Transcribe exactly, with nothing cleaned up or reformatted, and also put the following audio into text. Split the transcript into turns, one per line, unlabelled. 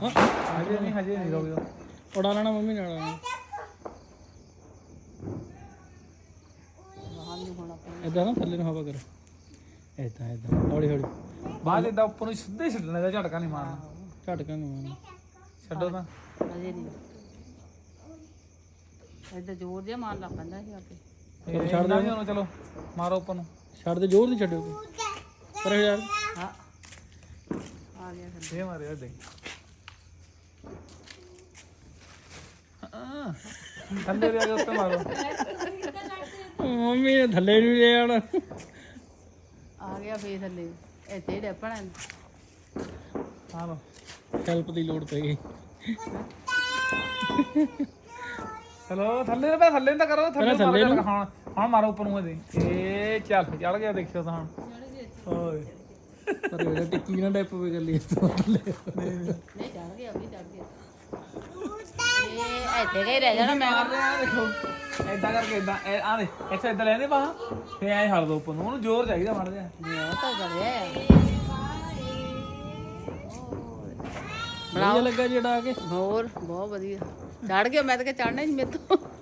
ਹਜੇ ਨਹੀਂ ਹਜੇ ਨਹੀਂ ਰੋਕ ਜਾ
ਉਡਾ ਲੈਣਾ ਮੰਮੀ ਨਾਲ ਇਦਾਂ ਨਾ ਥੱਲੇ ਨੂੰ ਹਵਾ ਕਰ ਇਦਾਂ ਇਦਾਂ ਹੌਲੀ ਹੌਲੀ
ਬਾਅਦ ਇਦਾਂ ਉੱਪਰ ਨੂੰ ਸਿੱਧੇ ਛੱਡਣਾ ਦਾ ਝਟਕਾ ਨਹੀਂ ਮਾਰਨਾ
ਝਟਕਾ ਨਹੀਂ ਮਾਰਨਾ
ਛੱਡੋ ਤਾਂ
ਅਜੇ ਨਹੀਂ ਇਦਾਂ ਜ਼ੋਰ ਜਿਹਾ ਮਾਰ ਲਾ ਪੈਂਦਾ ਸੀ ਆਪੇ
ਇਹ ਛੱਡ ਦੇ ਉਹਨੂੰ ਚਲੋ ਮਾਰੋ ਉੱਪਰ ਨੂੰ
ਛੱਡ ਦੇ ਜ਼ੋਰ ਨਹੀਂ ਛੱਡਿਓ ਪਰ ਯਾਰ
ਹਾਂ ਆ ਗਿਆ ਫਿਰ
ਇਹ ਮਾਰਿਆ ਦੇ ਥੱਲੇ ਦੇ ਆ ਕੇ ਉੱਤੇ ਮਾਰੋ
ਮੰਮੀ ਨੇ ਥੱਲੇ ਨੂੰ ਲੈ ਆਣਾ
ਆ ਗਿਆ ਫੇਰ ਥੱਲੇ ਇੱਥੇ ਡੱਪਣਾ
ਹਾਂ ਲੋ
ਹੈਲਪ ਦੀ ਲੋੜ ਪਈ ਗਈ
ਚਲੋ ਥੱਲੇ ਤੇ ਥੱਲੇ ਨੂੰ ਤਾਂ ਕਰੋ ਥੱਲੇ
ਥੱਲੇ ਨੂੰ
ਹੁਣ ਹੁਣ ਮਾਰੋ ਉੱਪਰ ਨੂੰ ਇਹਦੇ ਇਹ ਚੱਲ ਚੜ ਗਿਆ ਦੇਖਿਓ ਤਾਂ ਹੁਣ ਓਏ
ਪਰ ਇਹਦਾ ਟਿੱਕੀ ਨਾ ਡੈਪ ਪਵੇ ਗੱਲੀ ਤੋਂ ਥੱਲੇ
ਨਹੀਂ ਚੜ ਗਿਆ ਵੀ ਚੜ ਗਿਆ ਇਹ ਇੱਥੇ ਗਈ ਰਹਿ ਜਾਣਾ ਮੈਂ
ਮਾਰ ਰਿਹਾ ਦੇਖੋ ਏਦਾਂ ਕਰਕੇ ਏਦਾਂ ਆ ਦੇ ਇੱਥੇ ਏਦਾਂ ਲੈਂਦੇ ਬਾਹਾਂ ਫੇ ਐ ਛੱਡ ਦੋ ਉੱਪਰ ਨੂੰ ਉਹਨੂੰ ਜ਼ੋਰ ਚਾਹੀਦਾ ਮਾਰ ਜਾ
ਉਹ ਤਾਂ ਗੜਿਆ
ਵਧੀਆ ਲੱਗਾ ਜਿਹੜਾ ਆ ਕੇ
ਹੋਰ ਬਹੁਤ ਵਧੀਆ ਚੜ ਗਿਆ ਮੈਂ ਤਾਂ ਕਿ ਚੜਨਾ ਹੀ ਮੇਰੇ ਤੋਂ